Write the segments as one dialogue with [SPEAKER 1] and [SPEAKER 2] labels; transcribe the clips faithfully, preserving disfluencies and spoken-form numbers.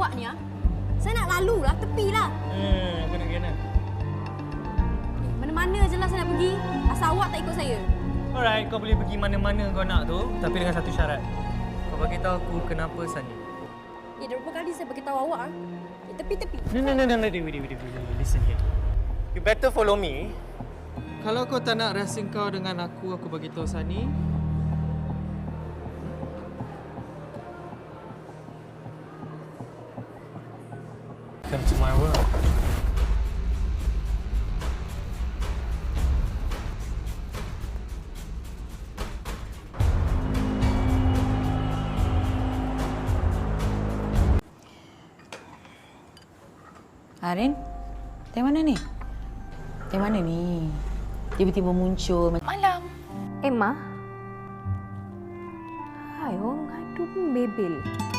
[SPEAKER 1] awak ni, ah. Saya nak lalu lah, tepilah.
[SPEAKER 2] Hmm, kena kena.
[SPEAKER 1] Mana-mana je lah saya nak pergi. Asal awak tak ikut saya.
[SPEAKER 2] Alright, kau boleh pergi mana-mana kau nak tu, tapi dengan satu syarat. Kau bagi tahu aku kenapa Sani.
[SPEAKER 1] Eh, dah berapa kali saya beritahu awak, ah. Eh, tepi-tepi.
[SPEAKER 2] No, no, no, no, no, Dewi, Dewi, Dewi, listen here. You better follow me. Kalau kau tak nak rahsia kau dengan aku, aku bagi tahu Sani. Come to my world.
[SPEAKER 3] Arin, dari mana ni? Dari mana ni? Tiba-tiba muncul.
[SPEAKER 4] Malam. Emma? Hai, orang ngadu pun bebel.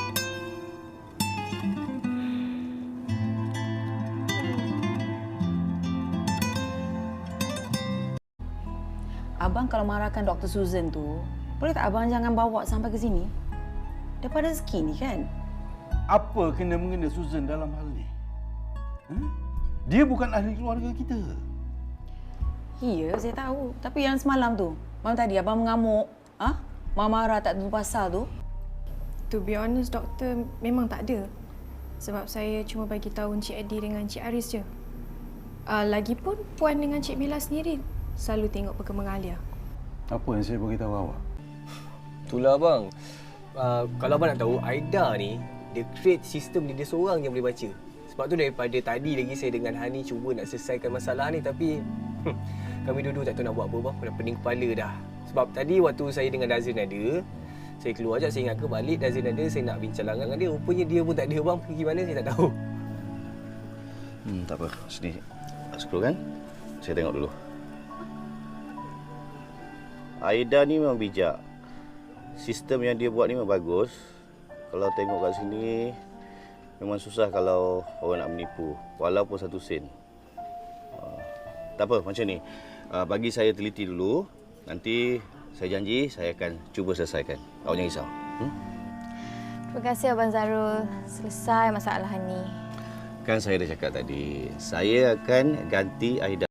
[SPEAKER 3] Abang kalau marahkan Doktor Susan tu, boleh tak abang jangan bawa sampai ke sini? Daripada rezeki ni kan?
[SPEAKER 5] Apa kena mengena Susan dalam hal ni? Ha? Dia bukan ahli keluarga kita.
[SPEAKER 3] Ya, saya tahu. Tapi yang semalam tu, malam tadi abang mengamuk. Ah, ha? marah tak tentu pasal tu.
[SPEAKER 4] To be honest, doktor, memang tak ada. Sebab saya cuma bagi tahu Encik Eddie dengan Encik Aris je. Uh, lagipun Puan dengan Cik Mila sendiri selalu tengok perkembangan Alia.
[SPEAKER 5] Apa yang saya beritahu awak?
[SPEAKER 6] Itulah abang. Uh, kalau abang nak tahu, Aida ni dia create sistem dia, dia seorang yang boleh baca. Sebab tu daripada tadi lagi saya dengan Hani cuba nak selesaikan masalah ni, tapi hmm, kami dua-dua tak tahu nak buat apa bang. Dah pening kepala dah. Sebab tadi waktu saya dengan Dazin ada, saya keluar je, saya ingat ke balik Dazin ada, saya nak bincang dengan dia. Rupanya dia pun tak ada bang, pergi mana saya tak tahu.
[SPEAKER 5] Hmm, tak apa. Sini. Scroll kan? Saya tengok dulu. Aida ni memang bijak. Sistem yang dia buat ni memang bagus. Kalau tengok kat sini, memang susah kalau orang nak menipu. Walaupun satu sen. Uh, tak apa, macam ni. Uh, bagi saya teliti dulu. Nanti saya janji saya akan cuba selesaikan. Awak jangan risau. Hmm?
[SPEAKER 4] Terima kasih Abang Zarul. Selesai masalah ni.
[SPEAKER 5] Kan saya dah cakap tadi, saya akan ganti Aida.